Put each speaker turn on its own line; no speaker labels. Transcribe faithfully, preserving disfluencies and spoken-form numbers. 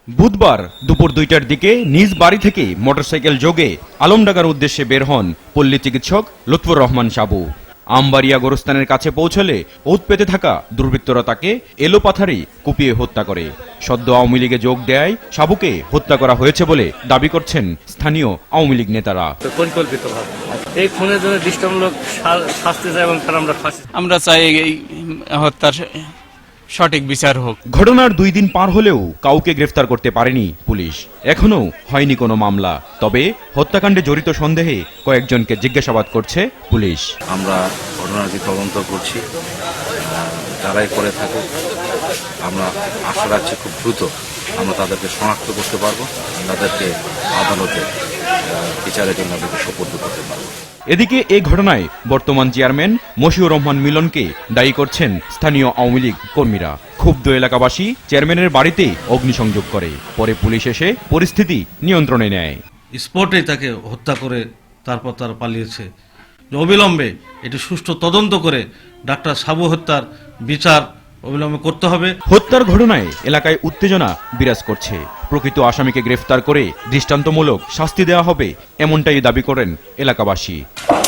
বুধবার দুপুর দুইটার দিকে নিজ বাড়ি থেকে মোটরসাইকেল যোগে আলমডাঙ্গার উদ্দেশ্যে বের হন পল্লী চিকিৎসক লুৎফুর রহমান সাবু। আমবাড়িয়া গোরস্থানের কাছে পৌঁছলে ওত পেতে থাকা দুর্বৃত্তরা তাকে এলোপাথারি কুপিয়ে হত্যা করে। সদ্য আওয়ামী লীগে যোগ দেয় সাবুকে হত্যা করা হয়েছে বলে দাবি করছেন স্থানীয় আওয়ামী লীগ নেতারা।
পরিকল্পিতভাবে এই খুনের জন্য দৃষ্টান্তমূলক শাস্তি চাই এবং তার আমরা ফাঁসি
আমরা চাই এই হত্যার সঠিক বিচার হোক।
ঘটনার দুই দিন পার হলেও কাউকে গ্রেফতার করতে পারেনি পুলিশ। এখনো হয়নি কোনো মামলা, তবে হত্যাকাণ্ডে জড়িত সন্দেহে কয়েকজনকে জিজ্ঞাসাবাদ করছে পুলিশ।
আমরা ঘটনাটি তদন্ত করছি, যারাই করে থাকে আমরা আশা রাখছি খুব দ্রুত আমরা তাদেরকে শনাক্ত করতে পারবো, তাদেরকে আদালতে বিচারের জন্য তাদেরকে সোপর্দ করতে পারবো।
এদিকে এই ঘটনায় বর্তমান চেয়ারম্যান মশিউর রহমান মিলনকে দায়ী করছেন স্থানীয় আওয়ামী লীগ কর্মীরা। ক্ষুব্ধ এলাকাবাসী চেয়ারম্যানের বাড়িতে অগ্নিসংযোগ করে, পরে পুলিশ এসে পরিস্থিতি নিয়ন্ত্রণে নেয়।
স্পটেই তাকে হত্যা করে তারপর তারা পালিয়েছে। অবিলম্বে এটি সুষ্ঠু তদন্ত করে ডাক্তার সাবু হত্যার বিচার অবিলম্বে করতে হবে।
হত্যার ঘটনায় এলাকায় উত্তেজনা বিরাজ করছে। প্রকৃত আসামিকে গ্রেফতার করে দৃষ্টান্তমূলক শাস্তি দেওয়া হবে, এমনটাই দাবি করেন এলাকাবাসী।